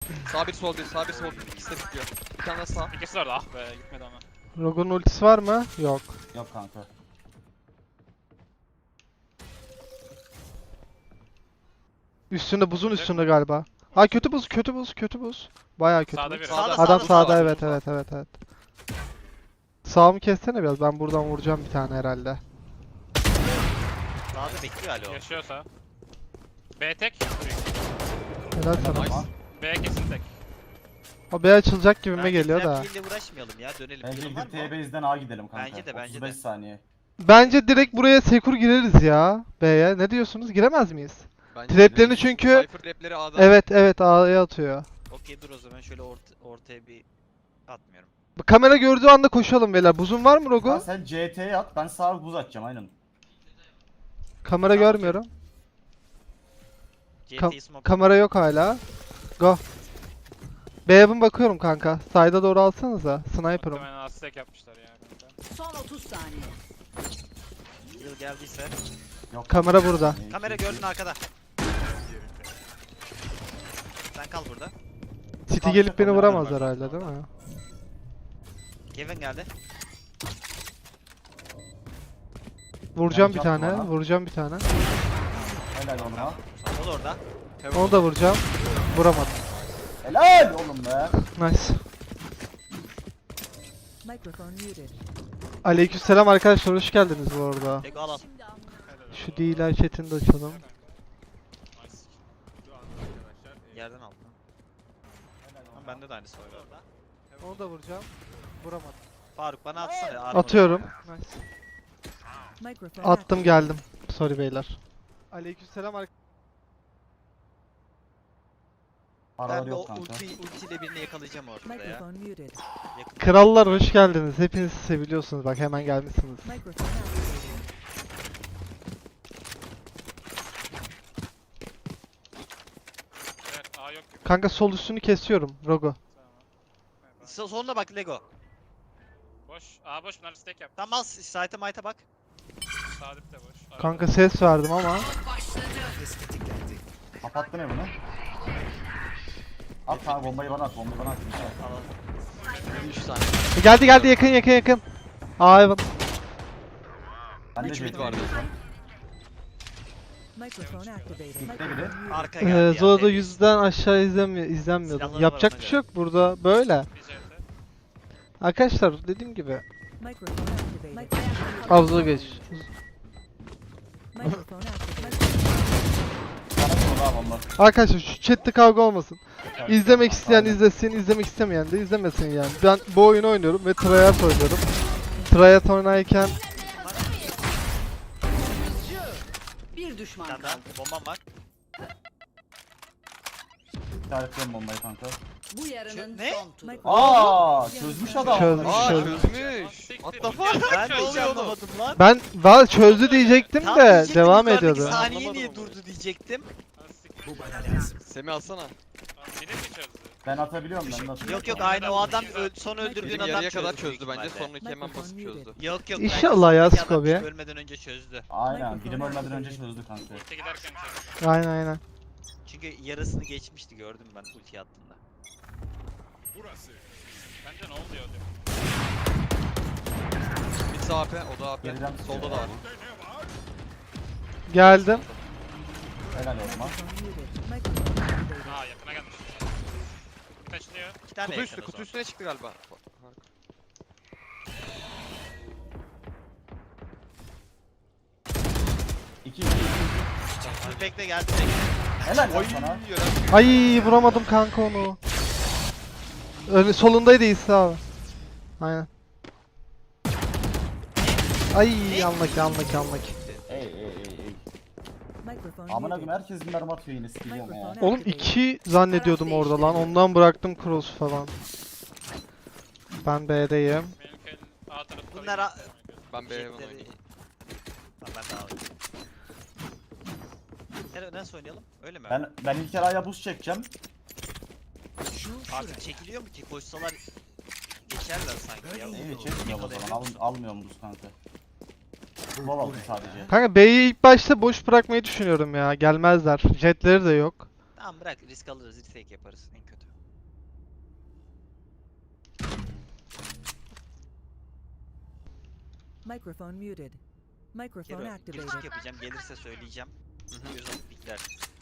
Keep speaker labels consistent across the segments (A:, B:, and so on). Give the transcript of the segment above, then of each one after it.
A: Sağ bir sol bir, sağ bir sol bir. İkisi de bitiyor. Bir tane daha sağ.
B: İkisi de orada. Ah be gitmedi ama.
C: Rogue'un ultisi var mı? Yok.
D: Yok kanka.
C: Üstünde, buzun üstünde galiba. Ha kötü buz, kötü buz, kötü buz. Bayağı kötü
B: Sağda
C: buz.
B: biri.
A: Sağda,
C: Adam
A: sağda,
C: sağda,
A: sağda.
C: evet evet evet evet. Sağımı kessene biraz, ben buradan vuracağım bir tane herhalde.
E: Sağda bekliyor alo.
B: Yaşıyorsa. B tek.
C: Helal sana.
A: Nice.
B: B kesin tek.
C: O B açılacak gibime
E: Bence
C: geliyor da.
E: trample ile uğraşmayalım ya. Dönelim.
D: Bence
E: Planın var
D: gidip
E: mı?
D: T-Base'den A gidelim kanka.
E: Bence de, bence
D: 35
E: de.
D: saniye.
C: Bence direkt buraya Sekur gireriz ya. B'ye. Ne diyorsunuz? Giremez miyiz?
A: Bence
C: Traplerini
A: de.
C: çünkü-
A: Cypher trapleri A'da.
C: Evet evet, A'ya atıyor.
E: Okey dur o zaman şöyle ortaya bir atmıyorum.
C: Kamera gördüğü anda koşalım beyler. Buzun var mı
D: Ha,
C: Rogu?
D: sen CT'ye at, ben sağa buz atacağım aynen.
C: Kamera
E: Tamam,
C: görmüyorum.
E: CT'yi smoke.
C: Kamera yok hala. Go. B'ye bakıyorum kanka. Side'a doğru alsanıza. Sniper'ım.
B: Muhtemelen astek yapmışlar ya. kanka.
F: Son 30 saniye.
E: Yıl geldiyse.
D: Yok.
C: Kamera burada.
E: Kamera gördün arkada. Sen kal burada.
C: City gelip beni vuramaz herhalde değil mi?
E: Kevin geldi.
C: Vuracağım
D: Ben
C: bir tane.
D: yaptım ona.
C: Vuracağım bir tane.
D: Helal ona.
E: O da orada.
C: Onu da vuracağım. Vuramadım.
D: Helal oğlum be.
C: Nice.
F: Microphone muted.
C: Aleykümselam arkadaşlar, hoş geldiniz bu arada.
E: Lego al al.
C: Şu değiller chatini de açalım.
B: Nice.
E: Yerden al. Ama bende de aynısı var orada.
C: Onu da vuracağım. Vuramadım.
E: Faruk bana atsana. armor'ı.
C: Atıyorum. Nice.
F: Microphone
C: Attım geldim. Sorry beyler. Aleykümselam arkadaşlar.
E: Ben
D: Paralar
E: bir
D: yok kanka.
E: ultiyle birini yakalayacağım ortada ya.
F: Microphone muted.
E: Yakın.
C: Krallar hoş geldiniz. Hepiniz seviliyorsunuz. Bak hemen gelmişsiniz.
F: Microphone activated.
B: Evet A yok gibi.
C: Kanka sol üstünü kesiyorum. Rogo.
B: Tamam.
E: Sonuna bak Lego.
B: Boş. A boş. Bunlar stack yap.
E: Tamam al site'e mayta bak.
B: Sağ dip de boş.
C: Kanka ses verdim ama.
D: Kapattın ya bunu. At kanka, bombayı bana at, bombayı bana at.
A: 3 saniye.
C: Geldi geldi, yakın yakın yakın. Aa evet.
D: Ben de
A: 3 mid
D: CT
A: vardı.
F: Microphone activated.
D: biri.
F: Microphone muted.
E: Arka geldi ya.
C: Zola'da
E: temiz.
C: yüzden aşağı izlenmiyordum.
E: Silahları
C: Yapacak
E: var
C: bir
E: ona
C: şey yok burada, böyle.
B: Bir CT.
C: Arkadaşlar dediğim gibi
F: Microphone activated.
C: avluya geç.
F: Microphone activated.
D: Bana vur abi bomba.
C: Arkadaşlar şu chatte kavga olmasın. İzlemek isteyen izlesin, izlemek istemeyen de izlemesin yani. Ben bu oyunu oynuyorum ve tryhard oynuyorum. Tryhard oynarken
F: Bir düşman
E: Bir tane
F: kaldı.
E: daha bombam var.
D: İşaretliyorum bombayı kanka.
F: Bu yarının
E: Ne?
F: son turu.
D: Aa, çözmüş adam.
C: Çözmüş,
A: Aa
C: çözmüş.
A: çözmüş. What the fuck?
E: Ben de hiç
A: oluyor oğlum?
E: anlamadım lan.
C: Ben valla çözdü diyecektim
E: Tam
C: de
E: diyecektim,
C: devam
E: yukarıdaki
C: ediyordu.
E: Saniye
A: Anlamadım
E: niye
A: onu.
E: durdu diyecektim.
A: Semih alsana.
B: Bir de mi çözdü?
D: Ben atabiliyorum, ben de atabiliyorum.
E: Yok yok aynı o adam son öldürdüğün
A: Benim
E: adam
A: yarıya kadar
E: çözdü büyük
A: çözdü bence.
E: ihtimalle.
A: Sonraki hemen basıp çözdü.
E: Yok yok.
C: İnşallah
E: bence
C: ya,
E: sonraki adam
C: Scooby.
E: Ölmeden önce çözdü.
D: Aynen, birim ölmeden önce çözdü kanka.
B: Ulti giderken çözdü.
C: Aynen aynen.
E: Çünkü yarısını geçmişti gördüm ben ulti attığında.
B: Bence ne oluyor diyor.
A: Bir sağ AP, o da AP.
D: Geriden
A: Solda da var.
C: Geldim.
D: Helal olma.
F: Microphone muted. Microphone activated.
B: Aa yakına gelmiş. Taşlıyor.
E: İki tane
A: Kutu
E: yakın
A: üstü,
E: o
A: kutu
E: zaman.
A: üstüne çıktı galiba.
D: İki.
E: Bekle geldi.
D: Helal lan
A: Oy,
D: sana.
A: yören.
C: Ay vuramadım kanka onu. Solundaydı İsa abi. Aynen. Ay yanlak yanlak yanlak.
D: Ey.
F: Microphone
D: Amına
F: muted.
D: koyayım, herkes mermi atıyor yine, sikiliyorum ya.
C: Oğlum 2 zannediyordum orada lan. Ondan bıraktım cross falan. Ben B'deyim.
B: Benimki el A tarafı.
E: Bunlar a-
A: Ben B'ye
E: Jetleri-
A: oynayayım.
E: Tamam ben daha oynayayım. Nasıl oynayalım? Öyle mi?
D: Ben ilk A'ya buz çekeceğim.
E: Artık çekiliyor mu ki? Koşsalar geçerler sanki ya.
D: İyi çekmiyorum o zaman. Almıyorum buz kanka. Bol aldım sadece.
C: Kanka B'yi ilk başta boş bırakmayı düşünüyorum ya. Gelmezler. Jetleri de yok.
E: Tamam bırak risk alırız, retake yaparız en kötü.
F: Microphone muted. Microphone
E: Kero,
F: activated.
E: girişik yapacağım, gelirse söyleyeceğim.
A: Hı hı.
E: Göz alıp pikler.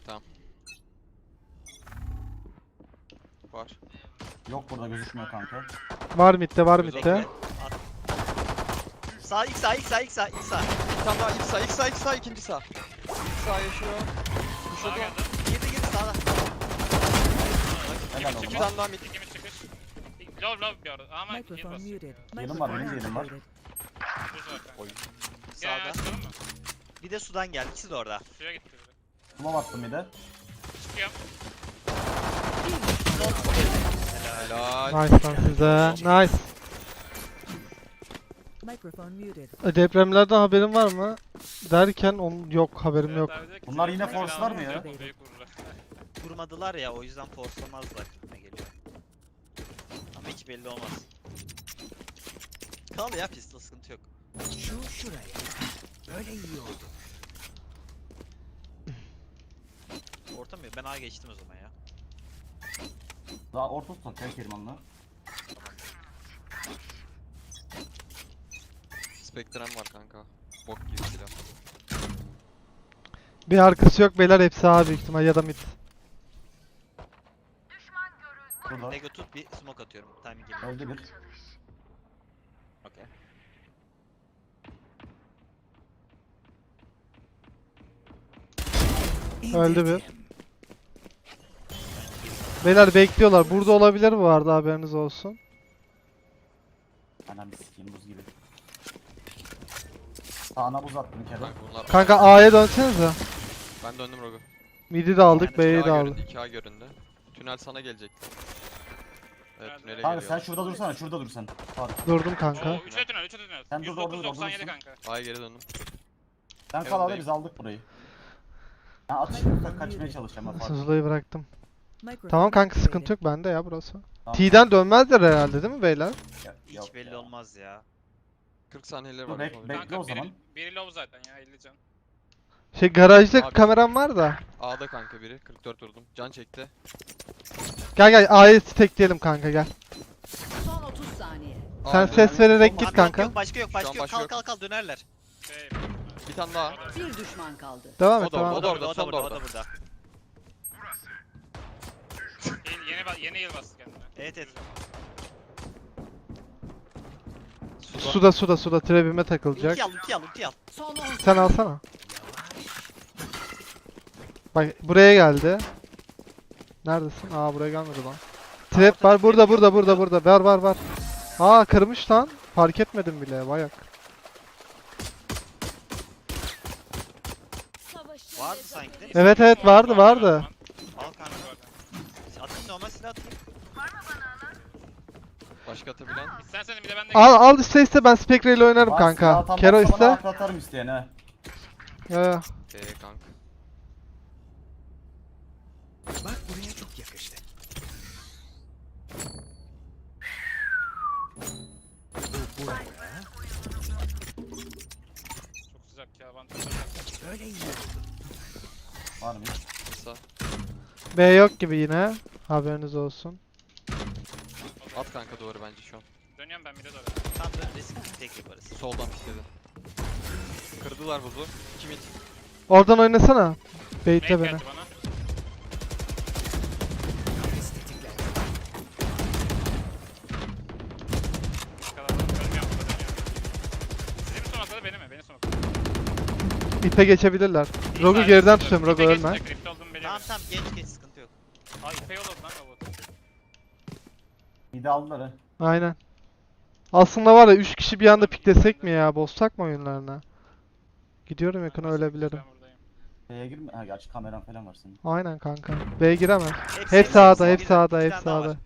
A: Var.
D: Yok burada gözükmüyor kanka.
C: Var midde, var
A: Göz
C: midde.
E: At. Sağ, ilk sağ, ilk sağ, ilk sağ, ilk sağ.
A: Bir tane daha ilk sağ, ikinci sağ. İlk sağ yaşıyor.
B: Sağa
A: Şurada.
B: geldi.
E: Girdi sağda.
D: Helal
A: Bir
D: oğlum.
A: tane daha mid.
B: İkimiz çıkış. Low bir arada ama iyi
F: Microphone
B: basıyor.
F: muted.
D: Yerim var,
F: Microphone
D: benim de yerim var.
F: activated.
B: Düz var kanka.
A: Oy.
B: Gel
E: Sağda.
B: çıkalım mı?
E: Bir de sudan geldi, ikisi de orada.
B: Suya gitti biri.
D: Smoke attım bir de.
B: Çıkıyorum.
A: Helal.
C: Nice lan size. Nice.
F: Microphone muted.
C: Depremlerden haberin var mı? Derken yok, haberim
B: Evet
C: yok.
B: abi de ki
D: Bunlar
B: senin
D: yine
B: falan
D: force'lar mı
B: olunca
D: ya?
B: büyük vururlar.
E: Kurmadılar ya, o yüzden forcelamazlar ne geliyor. Ama hiç belli olmaz. Kal ya pistol, sıkıntı yok.
G: Şu şuraya. Böyle iyi oldu.
E: Orta mı? Ben A geçtim o zaman ya.
D: Daha orta tutak ya Keriman'la.
A: Spectrum var kanka. Bok gibi silah.
C: Bir arkası yok beyler, hepsi A büyük ihtimal ya da mid.
D: Burada.
E: Lego tut, bir smoke atıyorum. Timing geliyor.
D: Öldü bir.
E: Okey.
C: Öldü bir. Beyler bekliyorlar. Burada olabilir bu arada, haberiniz olsun.
D: Anam bir sikeyim buz gibi. Sağına buz attım Kero.
A: Kanka bunlar.
C: Kanka A'ya dönsenize.
A: Ben döndüm Rogu.
C: Mid'i de aldık,
E: Yani
C: B'yi
A: 2A
C: de aldık.
A: göründü, 2A göründü. Tünel sana gelecekti. Evet
B: Nerede?
A: tünele
D: Kanka
A: geliyor.
D: sen şurada dursana, şurada dur sen. Faruk.
C: Durdum
B: Oo,
C: kanka.
B: 3'e tünel, 3'e tünel.
D: Sen dur, orada dur,
B: 109.97
D: orada
B: kanka.
A: A'ya geri döndüm.
D: Sen kal abi,
A: Evdeyim.
D: biz aldık burayı. Ben atış kaçmaya çalışacağım ben Faruk.
C: Suzulayı bıraktım.
F: Microphone
C: Tamam kanka,
F: activated.
C: sıkıntı yok bende ya burası.
D: Tamam.
C: T'den dönmezler herhalde değil mi beyler?
D: Ya-
E: Hiç
D: yok
E: belli
D: ya.
E: olmaz ya.
A: 40 saniyeleri
D: Dur,
A: var.
D: bek-
A: yapabilirim.
D: Bekle
B: Kanka
D: o zaman.
B: biri low zaten ya 50 can.
C: Garajda
A: Abi.
C: kameram var da.
A: A'da kanka biri. 44 vurdum. Can çekti.
C: Gel A'yı tekleyelim kanka, gel.
F: Son 30 saniye.
C: Sen
A: A
C: ses
A: öldü.
C: vererek
E: Abi
C: git
E: yok,
C: kanka.
E: Yok, başka yok,
A: Şu
E: başka
A: an
E: yok.
A: başka
E: Kal
A: yok.
E: kal kal dönerler.
B: Şey,
A: Bir tane daha.
F: Bir düşman kaldı.
C: Devam
A: O
C: et,
A: da
C: devam
A: orada,
C: et.
A: o da orada, son da
E: o
A: orada.
E: da burada.
B: yeni yıl bastı kendine.
E: Evet evet.
C: Suda trebime takılacak.
E: Ulti al.
F: Son 10
C: Sen alsana. Bak buraya geldi. Neredesin? Aa, buraya gelmedi lan. Trap var burada. Var. Aa, kırmış lan. Fark etmedim bile, bayak.
E: Vardı sanki değil mi?
C: Evet, vardı.
E: Al kanka. Atayım, normal silah atayım.
A: Başka atabilen.
B: İstersen bir de ben de
C: Al iste ben Spectre ile oynarım
D: Bak,
C: kanka.
D: silah tam
C: Kero
D: baksa bana
C: iste.
D: aklı atarım isteyen ha.
C: Ya.
A: Kanka.
G: Bak buraya çok yakıştı. Bu buraya.
B: çok sıcak ya avantajı.
G: Böyle iyi oldu.
D: Var mı?
A: Kısa.
C: B yok gibi yine. Haberiniz olsun.
A: At kanka duvarı bence şu an.
B: Dönüyorum ben bir de doğru.
E: Tam da risk tek yaparız.
A: Soldan pikledi. Kırdılar buzu. 2 mid.
C: Oradan oynasana.
B: Mate
C: Bait'le beni.
B: geldi bana.
G: Estetikler.
B: Bu kadar. Ölmüyorum burada dönüyorum. Sizin son atladı beni mi? Beni son atladı.
C: İpe geçebilirler. Rogu
B: Sağ-
C: geriden
B: sağ-
C: tutuyorum, Rogu
B: İpe
C: ölme.
B: geçecek, Rift olduğumu biliyorum.
E: Tamam geç sıkıntı yok.
B: Ay ipe yolladı lan robot.
D: Bir de aldılar ha.
C: Aynen. Aslında var ya, 3 kişi bir anda piklesek mi ya? Bozsak mı oyunlarına? Gidiyorum, yakına ölebilirim.
B: Ben buradayım.
D: Şeye girme. Ha gerçi kameran falan var senin.
C: Aynen kanka. B giremez. Hep sağda, hep
E: Bir
C: sağda,
E: tane
C: hep
E: daha
C: sağda.
E: var.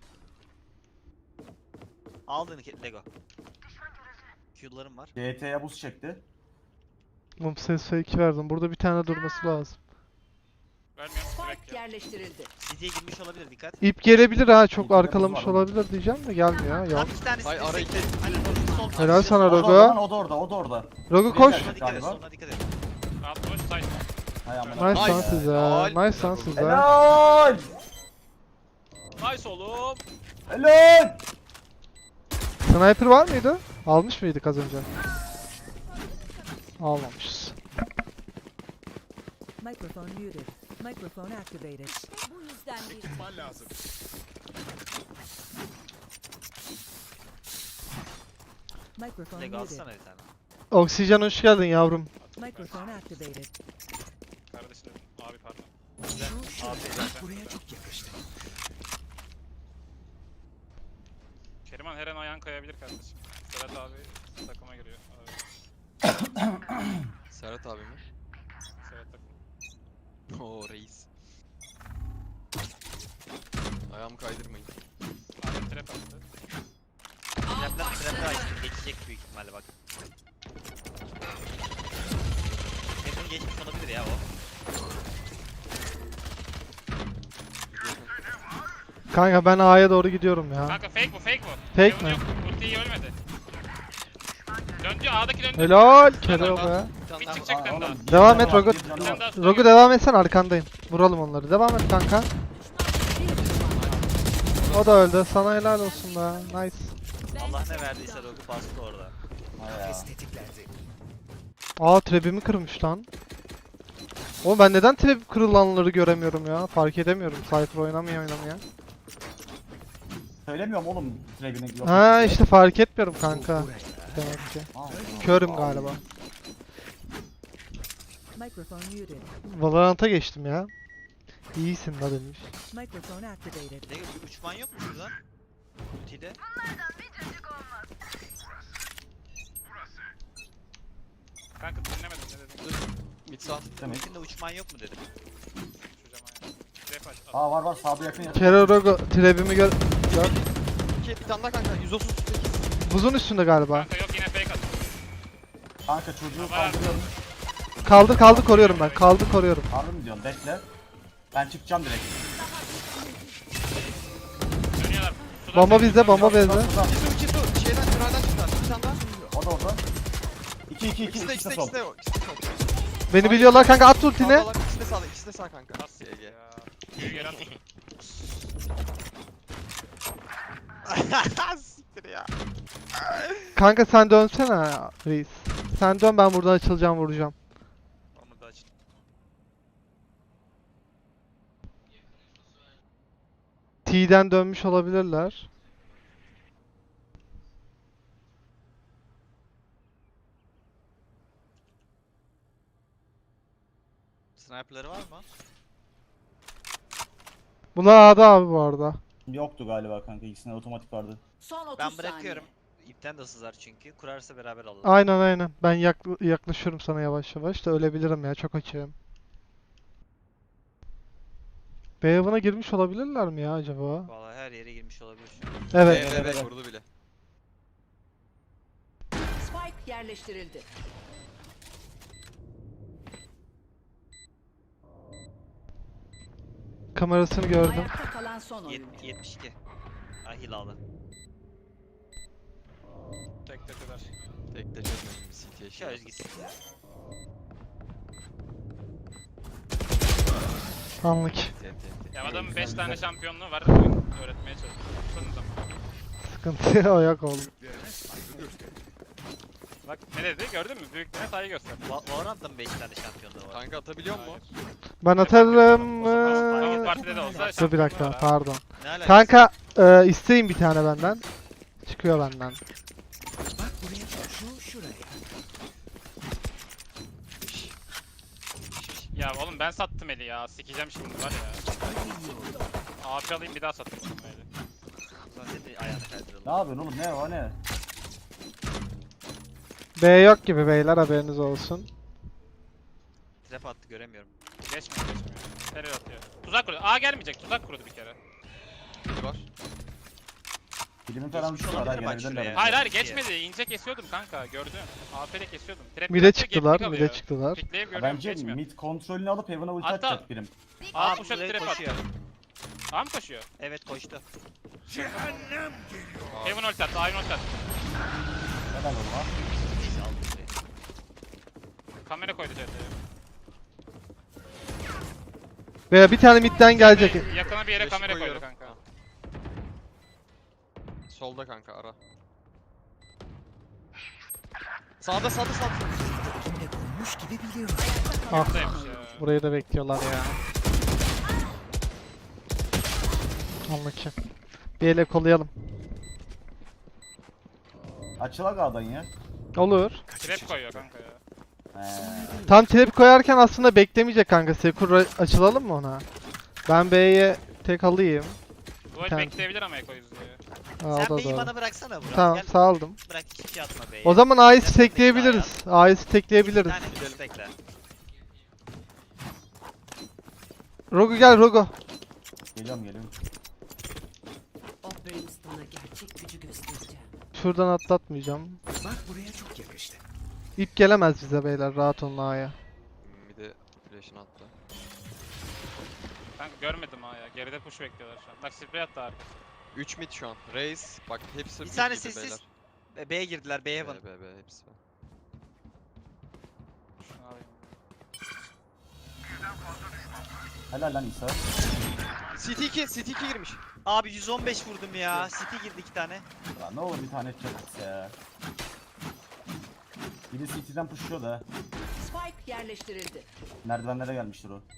E: Aldın Lego. Q'larım var.
D: DT'ye buz çekti.
C: Mum ses 2 verdim. Burada bir tane durması lazım.
B: Vermiyorum.
F: Spike
B: Direkt ya.
F: yerleştirildi.
E: City'ye girmiş olabilir, dikkat.
C: İp gelebilir ha, çok
D: İpte de
C: arkalamış
D: buz var
C: olabilir diyeceğim de gelmiyor. Yok.
E: Tam iki tanesi
A: Ay, ara
E: destekli.
A: iki.
E: Hani sol
C: Helal sana
D: O da
C: Rogu.
D: orada, o da orada.
C: Rogu
D: Bir
C: koş.
D: geldi.
E: Ona dikkat et,
D: Galiba.
E: soluna dikkat et.
B: Alt boş side.
D: Hay amına.
C: Nice lan
A: Nice.
C: size.
A: Helal.
C: Nice lan size.
D: Helal!
B: Nice oğlum.
D: Helal!
C: Sniper var mıydı? Almış mıydık az önce? Almamışız.
F: Microphone muted. Microphone activated.
H: Bu yüzden bir
G: Ekipman lazım.
F: Microphone
E: Leg
F: muted.
E: alsana bir tane.
C: Oksijen hoş geldin yavrum.
F: Microphone activated.
B: Kardeşim abi pardon.
G: Şu
E: Abi,
G: bak buraya çok yakıştı.
B: Keriman her an ayağın kayabilir kardeşim. Serhat abi takıma giriyor. Abi,
A: Serhat abi mi?
B: Serhat takım.
A: Oo reis. Ayağımı kaydırmayın.
B: Abi trap attı.
E: Trap'la açtım. Geçecek büyük ihtimalle bak. Trap'ini geçmiş olabilir ya o.
C: Kanka ben A'ya doğru gidiyorum ya.
B: Kanka fake bu fake bu.
C: Fake
B: Kevin
C: mi?
B: Yok, ultiyi ölmedi. Döndü A'daki döndü.
C: Helal. Kero be.
A: Bir tane
B: Bir
A: daha.
B: çıkacak bir tane daha.
D: Oğlum,
C: Devam
D: bir
C: et,
D: canı var,
C: Rogut.
D: bir canı
B: Bir tane
D: var.
B: daha
C: Rogu devam etsen arkandayım. Vuralım onları. Devam et kanka. O da öldü. Sana helal olsun be. Nice.
E: Allah ne verdiyse Rogu bastı orada.
D: Hay ya.
G: Kafes tetiklendi.
C: Aa trebimi kırmış lan. Oğlum ben neden trap kırılanları göremiyorum ya? Fark edemiyorum. Cypher oynamıyor ya.
D: Söylemiyorum oğlum trebini yok.
C: Ha işte fark etmiyorum kanka.
G: Buraya.
C: Demek ki.
D: Aa,
C: Körüm
D: aa,
C: galiba.
F: Microphone muted.
C: Valorant'a geçtim ya. İyisin la demiş.
F: Microphone activated.
E: Ne bir uçman yok mu şurada? Ultide.
B: Kanka dinlemedim ne dedin?
A: Mid sağ.
D: Demek.
E: Ultinde uçman yok mu dedim.
B: Uçacağım ayağı. Trap aç.
D: Aa var sağda yakın yakın.
C: Kero Rogu trebimi gör.
A: İki bir tane daha kanka. 138.
C: Buzun üstünde galiba.
B: Kanka yok yine fake at.
D: Kanka çocuğu
B: Var.
D: kaldırıyorum.
C: Kaldı koruyorum ben. Kaldı koruyorum.
D: Harbi mi diyorsun? Bekle. Ben çıkacağım direkt.
B: Dönüyorlar. Sudan
C: Bomba
B: fake
C: bizde, bomba
B: atıyor.
C: bizde.
D: Şurada.
A: İki su. Şeyden tünelden çıktılar. Bir tane daha.
D: O da orada. 2
A: İkisi de
D: ikisi de
A: ikisi de
D: sol.
A: ikisi de ikisi de sol.
C: Beni biliyorlar kanka at ultini.
A: Sağdalar, İkisi de sağda. İkisi de sağ kanka.
B: Nasıl
A: GG.
B: ya? Büyü geri at.
A: Siktir ya.
C: Kanka sen dönsene reis. Sen dön ben buradan açılacağım vuracağım.
E: Onu da aç.
C: T'den dönmüş olabilirler.
E: Sniper'ları var mı?
C: Bunlar A'da abi bu arada.
D: Yoktu galiba kanka. İkisinde otomatik vardı.
F: Son 30
E: Ben bırakıyorum.
F: saniye.
E: İpten de sızar çünkü. Kurarsa beraber alalım.
C: Aynen. Ben yaklaşıyorum sana yavaş yavaş da ölebilirim ya çok açığım. B evine girmiş olabilirler mi ya acaba?
E: Vallahi her yere girmiş olabilir şu an.
C: Evet.
A: Evet vurdu bile.
F: Spike yerleştirildi.
C: Kamerasını gördüm.
F: Ayakta kalan son oyuncu.
E: 72. Ay hilalı.
B: Tek tepeler.
A: Tek de çözmedim bir CT'ye şey.
E: Şöyle gitsin.
C: Anlık.
B: Ya adamın 5
D: güzel,
B: tane
D: güzel.
B: şampiyonluğu var. Oyun öğretmeye çalışıyor. Sonunda.
C: Sıkıntı o yok oldu.
G: Büyüklerine saygı göster.
B: Bak ne dedi gördün mü? Büyüklerine saygı göster.
E: Valorant'ta mı 5 tane şampiyonluğu var?
A: Kanka atabiliyor mu?
B: Hayır.
C: Ben atarım.
B: Tavuk partide de olsa
C: Dur bir
B: şampiyonluğu
C: dakika
B: var ha.
C: pardon.
E: Ne alakası?
C: Kanka isteyin bir tane benden. Çıkıyor benden.
G: Bak buraya şuraya.
B: Ya oğlum ben sattım eli ya. Sikeceğim şimdi var ya.
G: Böyle iyi oldu.
B: AP alayım bir daha sattım oğlum eli.
E: O zaman senin de ayağını kaydıralım.
D: Ne yapıyorsun oğlum? Ne o ne?
C: B yok gibi beyler haberiniz olsun.
E: Trap attı göremiyorum.
B: Geçmiyor. Terör atıyor. Tuzak kurdu. A gelmeyecek. Tuzak kurdu bir kere.
A: Mid var.
D: Bilimin falan
E: Geçmiş
D: uçtu var ha
E: olabilir bak
D: gelebilirler.
E: şuraya.
B: Hayır
E: İki.
B: geçmedi. İnce kesiyordum kanka. Gördün. AP'de kesiyordum. Trap
C: Mide
B: atıyor,
C: çıktılar,
B: geri
C: mide
B: kalıyor.
C: çıktılar.
B: Pikleyip
D: Ha,
B: görüyorum
D: bence
B: geçmiyor.
D: mid kontrolünü alıp Heaven'a ulti
B: Hatta-
D: atacak birim.
B: A
E: Aa
B: kuşak
E: buraya
B: trap
E: koşuyor.
B: attı. A mı koşuyor?
E: Evet koştu.
G: Cehennem geliyor.
B: Heaven ult attı. Iron ult attı.
D: Helal oğlum ha.
E: Neyse aldım burayı.
B: Kamera koydu CT'ye.
C: Veya bir tane midden gelecek.
B: Yakına bir yere
A: Flash'ı
B: kamera koydu
A: koyuyorum.
B: kanka.
A: Solda kanka ara. Sağda.
G: Elimde kurmuş gibi biliyorum.
C: Ah,
B: Buradaymış ya.
C: burayı da bekliyorlar ya. Allah ki. Bir ele kolayalım.
D: Açılak A'dan ya.
C: Olur.
B: Trap koyuyor kanka ya.
C: Tam trap koyarken aslında beklemeyecek kanka. Sekur açılalım mı ona? Ben B'ye tek alayım.
B: Dual
C: Tamam.
B: bekleyebilir ama Eko yüzüyor.
C: Aa, o
E: Sen
C: da
E: B'yi
C: doğru.
E: bana bıraksana Burak.
C: Tamam
E: Gel
C: saldım.
E: bırak hiçbir şey atma B'ye.
C: O zaman A'yı
E: Sen
C: stekleyebiliriz. A'yı stekleyebiliriz.
E: Bir tane destekle.
C: Rogu gel Rogu.
D: Geliyorum.
F: O Brimstone'a gerçek gücü göstereceğim.
C: Şuradan atlatmayacağım.
G: Bak buraya çok yakıştı.
C: İp gelemez bize beyler. Rahat olun A'ya.
A: Bir de flash'ını attı.
B: Kanka görmedim ha ya. Geride push bekliyorlar şu an. Bak spray attı arkası.
A: 3 mid şu an. Raze bak hepsi
E: Bir
A: mid
E: tane
A: gibi
E: sessiz.
A: beyler.
E: B'ye girdiler. B'ye heaven.
A: B hepsi.
B: Şunu alayım.
D: Helal lan İsa.
A: CT2 girmiş.
E: Abi 115 vurdum ya. City girdi 2 tane.
D: Ya ne olur bir tane çakıs ya. Biri CT'den pushuyor da.
F: Spike yerleştirildi.
D: Merdivenlere gelmiştir o.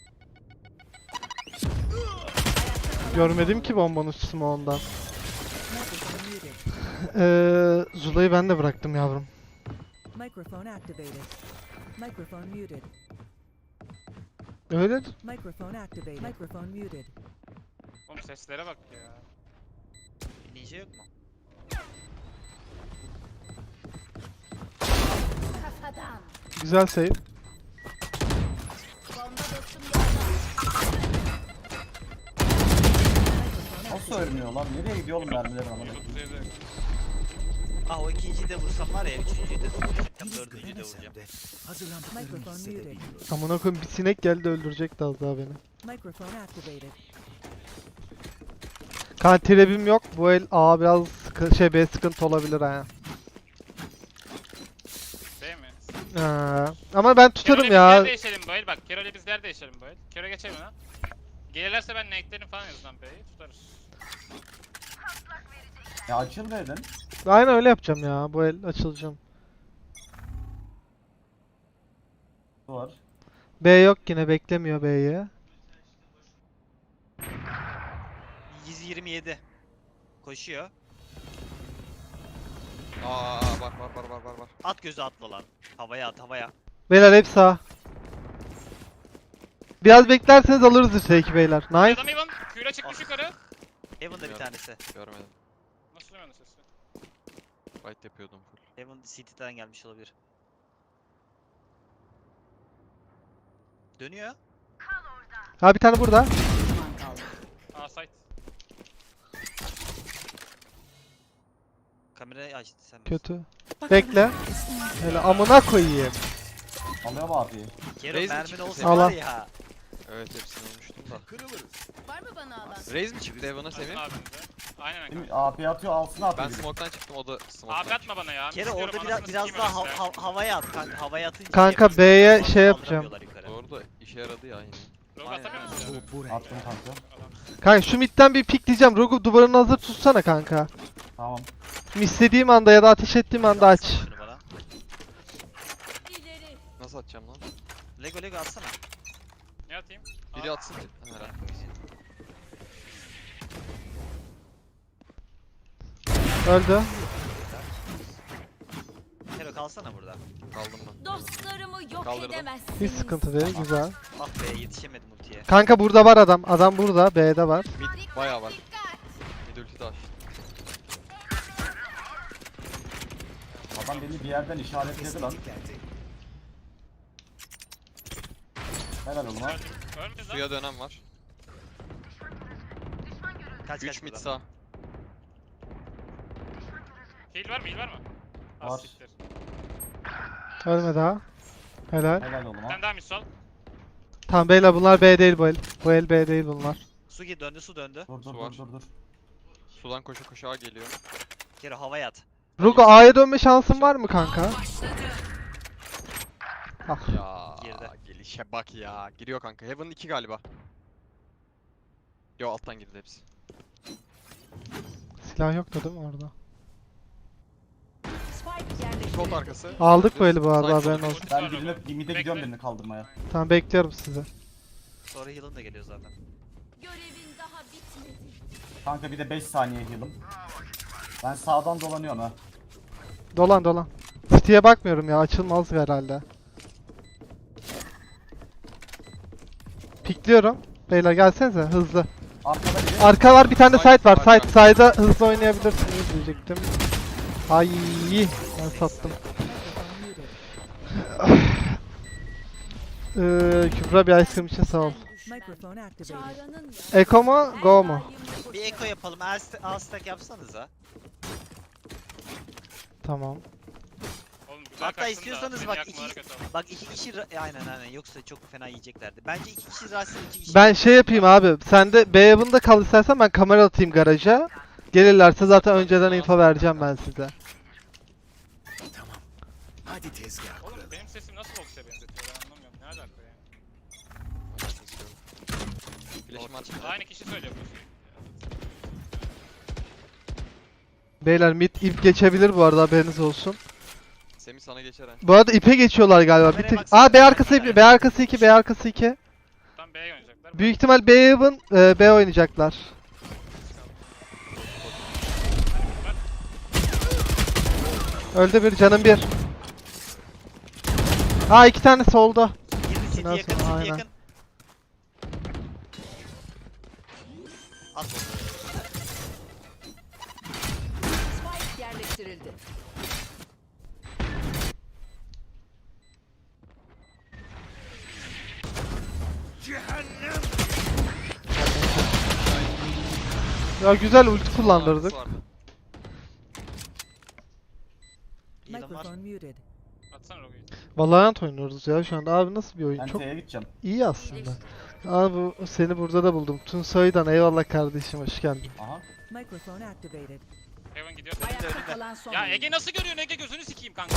C: Görmedim ki bombanın smoke'undan.
F: Microphone muted.
C: Zula'yı ben de bıraktım yavrum.
F: Microphone activated. Microphone muted.
C: Öyledir.
F: Microphone activated. Microphone muted.
B: Oğlum seslere bak ya.
E: Ninja yok mu?
C: Güzel save.
D: Nasıl ölmüyor lan? Nereye gidiyor oğlum mermiler ama?
B: 137.
E: Ah o ikinciyi de vursam var ya. Üçüncüyü de vuracağım.
G: Henüz
E: Dördüncüyü de
G: göremesem
E: vuracağım.
G: de hazırlandıklarını
F: Microphone muted.
G: hissedebiliyorum.
C: Amına koyayım bir sinek geldi öldürecekti az daha beni.
F: Microphone activated.
C: Kan trap'im yok. Bu el A biraz B sıkıntı olabilir ha.
B: Değil mi?
C: Ama ben tutarım
B: Kero'yla
C: ya.
B: biz yer değişelim bu el. Bak Kero'yla biz yer değişelim bu el. Kero geçelim ha. Gelirlerse ben nate'lerim falan yazılan B'yi tutarız.
D: Ya açıl dedin.
C: Aynen öyle yapacağım ya. Bu el açılacağım.
D: Bu var.
C: B yok yine beklemiyor B'yi.
E: 127. Koşuyor.
A: Var.
E: At gözü atla lan. Havaya at havaya.
C: Beyler hep sağ. Biraz beklerseniz alırız üstteki beyler. Nice.
B: Adam Ivan Q'yle çıkmış yukarı.
E: Heaven'da bir
A: Bilmiyorum.
E: tanesi.
A: Görmedim.
B: Nasıl duymadın sesi?
A: Fight yapıyordum full.
E: Heaven City'den gelmiş olabilir. Dönüyor.
C: Ha bir tane burada.
F: Düşman kaldı.
B: Aa site.
E: Kamerayı açtı sen.
C: Kötü. Bekle. Hele amına koyayım.
D: Alıyor mu abiyi?
E: Kero
A: Raze mi
E: mermin
A: çıktı
E: olsa
A: senin?
E: var
C: Allah.
E: ya.
A: Evet hepsini olmuştum da.
G: Kırılırız.
H: Var mı bana alan?
A: Raze mi çıktı Evan'a
B: Nasıl
A: Semih?
B: abimize? Aynen
D: Değil mi?
B: kanka.
D: AP atıyor alsın AP.
A: Ben smoke'tan çıktım o da
B: Abi
A: smoke'tan.
B: atma bana ya.
E: Kero
B: İstiyorum,
E: orada
B: anasını
E: biraz
B: sikeyim
E: daha
B: öyleyse.
E: havaya at kanka. Havaya atınca
C: Kanka,
E: Heaven
C: B'ye
E: City'den
C: şey
E: kaldıramıyorlar yukarı.
A: Doğru da işe yaradı ya yine.
B: Rogue
A: Aynen.
B: atamıyor musun ya?
G: Bu buraya.
D: Attım kanka.
C: Kanka şu midden bir pikleyeceğim. Rogu duvarını hazır tutsana kanka.
D: Tamam.
C: İstediğim anda ya da ateş ettiğim anda aç.
E: Şunu bana.
H: İleri.
A: Nasıl atacağım lan?
E: Lego atsana.
B: Ne atayım?
A: Biri atsın. Herhalde.
C: Öldü.
E: Kero kalsana burada.
A: Kaldım ben.
H: Dostlarımı yok
A: Kaldırdım.
H: edemezsiniz.
C: Hiç sıkıntı değil. Güzel.
E: Ah be yetişemedim ultiye.
C: Kanka burada var adam. Adam burada. B'de var.
A: Mid bayağı var. Mid ulti de açtı.
D: Adam beni bir yerden işaretledi lan.
G: Geldi.
D: Helal oğlum ha.
B: Ölmüyoruz lan.
A: Suya dönem var.
E: Kaç
A: 3 mid
E: buradan.
A: sağ.
B: Heal var mı? Heal var mı? Az
D: Var.
B: siktir.
C: Ölme daha. Helal.
D: Helal oğlum ha.
B: Sen daha mid sol.
C: Tamam beyler bunlar B değil bu el. Bu el B değil bunlar.
E: Döndü su döndü.
D: Dur dur
A: Su var.
D: dur.
A: Sudan koşa koşa A geliyor.
E: Kero havaya at.
C: Rogu A'ya dönme şansın var mı kanka? Ah.
A: Ya
E: Girdi.
A: gelişe bak ya. Giriyor kanka. Heaven 2 galiba. Yo alttan girdi hepsi.
C: Silah yoktu değil mi orada?
H: Spike yerleştirildi.
A: Short arkası.
C: Aldık bu eli bu arada,
A: Side
C: haberin
A: solu.
C: olsun.
D: Ben
B: Var
D: birine,
B: baba.
D: mid'e
B: Bekle.
D: gidiyorum birini kaldırmaya.
C: Tamam, bekliyorum sizi.
E: Sonra heal'ın da geliyor zaten.
H: Görevin daha bitmedi.
D: Kanka bir de 5 saniye heal'ım. Ben sağdan dolanıyorum ha.
C: Dolan dolan. City'ye bakmıyorum ya, açılmaz herhalde. Pikliyorum. Beyler gelsenize hızlı.
D: Arkada biri.
C: Arka var, bir tane de
A: Side,
C: side var.
A: arka.
C: Side'a hızlı oynayabilirsiniz diyecektim. Ay, ben sattım.
F: Microphone muted.
C: Kübra bir ice cream için sağ ol.
F: Microphone activated.
H: Çağrı'nın ya.
C: Eko mu, go mu?
E: Bir echo yapalım. A stack yapsanıza.
F: Hatta
C: Tamam.
B: Oğlum güzel
E: Hatta
B: kaçtın da
E: istiyorsanız
B: seni
E: bak
B: yakmaları
E: iki,
B: kötü oldu.
E: bak iki kişi aynen yoksa çok fena yiyeceklerdi. Bence iki kişi rahatsız, iki kişi.
C: Ben şey yapayım abi. Sen de B evinde kal istersen, ben kamera atayım garaja. Gelirlerse zaten önceden info vereceğim ben size.
G: Tamam. Hadi tezgah
B: Oğlum
G: kuralım.
B: benim sesim nasıl boksaya benzetiyor ben anlamıyorum. Ne alaka ya?
A: Flash'ımı açayım.
B: Aynı kişi söylüyor bu.
C: Beyler mid ip geçebilir bu arada, haberiniz olsun.
A: Semih sana geçer ha.
C: Bu arada ipe geçiyorlar galiba. Bir
E: Kameraya
C: tek...
E: baksana.
C: Aa, B arkası 2, B arkası 2, B arkası 2.
B: Tam B'ye oynayacaklar.
C: Büyük ihtimal B even, B oynayacaklar. Öldü bir, canım bir. Aa, 2 tane solda.
E: Girdi city
C: Ondan
E: yakın,
C: sonra
E: city
C: aynen.
E: yakın. At onu.
H: Spike yerleştirildi.
C: Ya güzel ulti kullandırdık.
A: Vardı.
E: Heal'ım var.
F: Microphone muted.
B: Atsana Rogue'yu.
C: Valorant oynuyoruz ya şu anda. Abi nasıl bir oyun?
D: Ben
C: Çok
D: T'ye gideceğim.
C: iyi aslında. Abi seni burada da buldum. Tunsay'dan eyvallah kardeşim, hoş geldin.
D: Aha.
F: Microphone activated.
B: Heaven gidiyor.
H: Ayakta kalan son
B: Ya
H: oyuncu.
B: Ege nasıl görüyorsun Ege gözünü sikeyim kanka.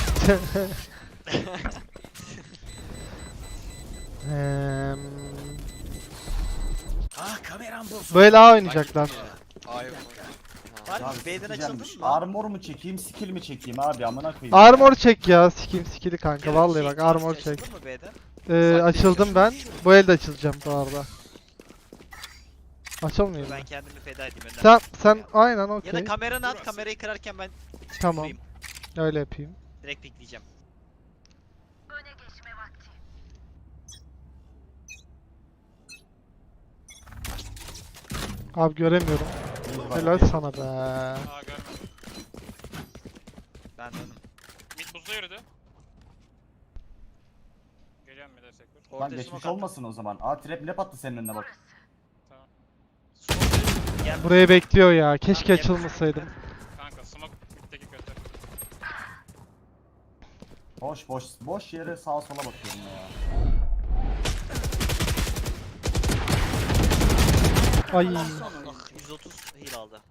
G: Ah kameram bozuldu.
C: Böyle A oynayacaklar.
A: Ay yok.
E: Var mı?
D: Abi
E: B'den
D: sikeceğim.
E: açıldın mı?
D: Armor mu çekeyim, skill mi çekeyim abi amına koyayım.
C: Armor çek ya, sikeyim skill'i kanka.
E: Şey,
C: Vallahi bak, armor
E: açıldın
C: çek.
E: mı B'den?
C: Açıldım ben. Bu elde açılacağım bu arada. Açılmıyor mu?
E: Ben kendimi feda edeyim. önden.
C: Sen aynen
E: Ya da
C: okey.
E: kameranı at, kamerayı kırarken ben
C: Tamam.
E: vurayım.
C: Öyle yapayım.
E: Direkt pikleyeceğim.
C: Abi göremiyorum.
D: Heal var.
C: Helal sana be.
B: Aa görmedim.
E: Ben döndüm.
B: Mid buzda yürüdü. Geliyorum mid'e sektor.
D: Lan
E: Ortaya
D: geçmiş
E: smoke attım.
D: olmasın o zaman. Aa trap ne attı senin önüne bak.
B: Tamam.
E: Smoke gel.
C: Burayı bekliyor ya. Keşke
E: Tamam, gel.
C: açılmasaydım.
B: Kanka smoke mid'deki kötü.
D: Boş yere sağa sola bakıyorum ya.
C: Ay.
E: Ah, 130 heal aldı.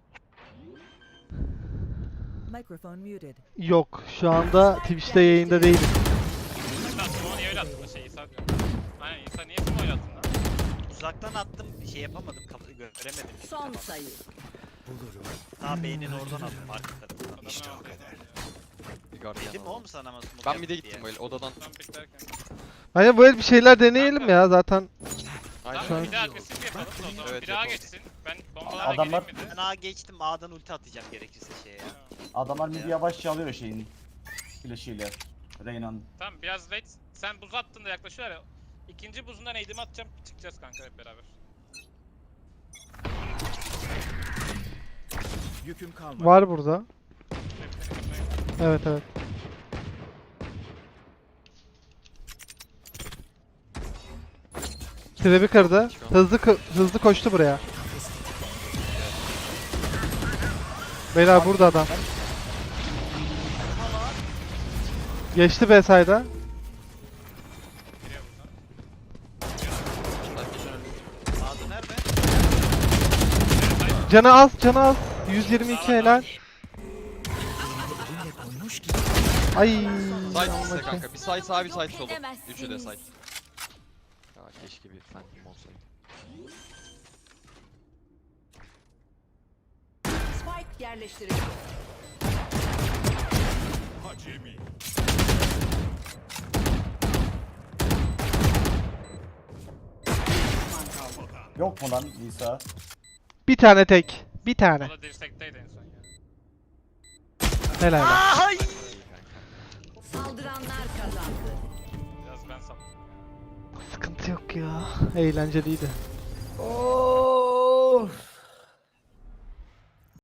F: Microphone muted.
C: Yok. Şu anda Twitch'te yayında değilim.
B: Lan smoke'u niye öyle attın da şey İsa diyor. Aynen İsa niye smoke öyle attın lan?
E: Uzaktan attım, şey yapamadım, göremedim.
H: Son sayı.
G: Bulurum.
E: Daha beynin oradan attım arka tarafından.
G: İşte o kadar.
A: Bir gardiyan
E: Dedim
A: var.
E: oğlum sana ama smoke
A: Ben
E: yap
A: mid'e
E: diye.
A: gittim böyle odadan.
B: Tam piklerken.
C: Hani böyle bir şeyler deneyelim ya zaten.
A: Aynen.
C: Şu an-
B: Bir de agresif yapalım da o zaman.
A: Evet,
B: Bir A
A: yapalım.
B: geçsin. Ben bombalarla
D: Adamlar-
B: geleyim mi de?
E: Ben A geçtim, A'dan ulti atacağım gerekirse şeye ya.
D: Adamlar midi yavaşça alıyor şeyin. Flash'iyle. Reyna'nın.
B: Tamam biraz late. Sen buz attığında yaklaşıyorlar ya. İkinci buzundan eğdim atacağım. Çıkacağız kanka hep beraber.
G: Yüküm kalmadı.
C: Var burada.
B: Hepsini gitmeye-
C: Evet evet. Trap'i kırdı. Hızlı koştu buraya. Beyler burada adam. Geçti B side'a.
B: Giriyor buradan.
A: Sen geçen öldün.
E: A'da nerede?
C: Canı az, canı az. 122 helal.
G: Elimle koymuş gibi.
C: Ay.
A: Side
C: Allah
A: size
C: ki.
A: kanka. Bir side sağ bir side
H: Yok
A: solu. Üçü de
H: edemezsiniz.
A: side. Ya keşke bir phantom olsaydı.
H: Spike yerleştirildi. Düşman kaldı.
D: Yok mu lan Nisa?
C: Bir tane tek. Bir tane.
B: O da dirsekteydi en son ya.
C: Helal lan.
E: Ay!
H: Saldıranlar kazandı.
B: Biraz ben saptım.
C: Sıkıntı yok ya. Eğlenceliydi.
G: Of.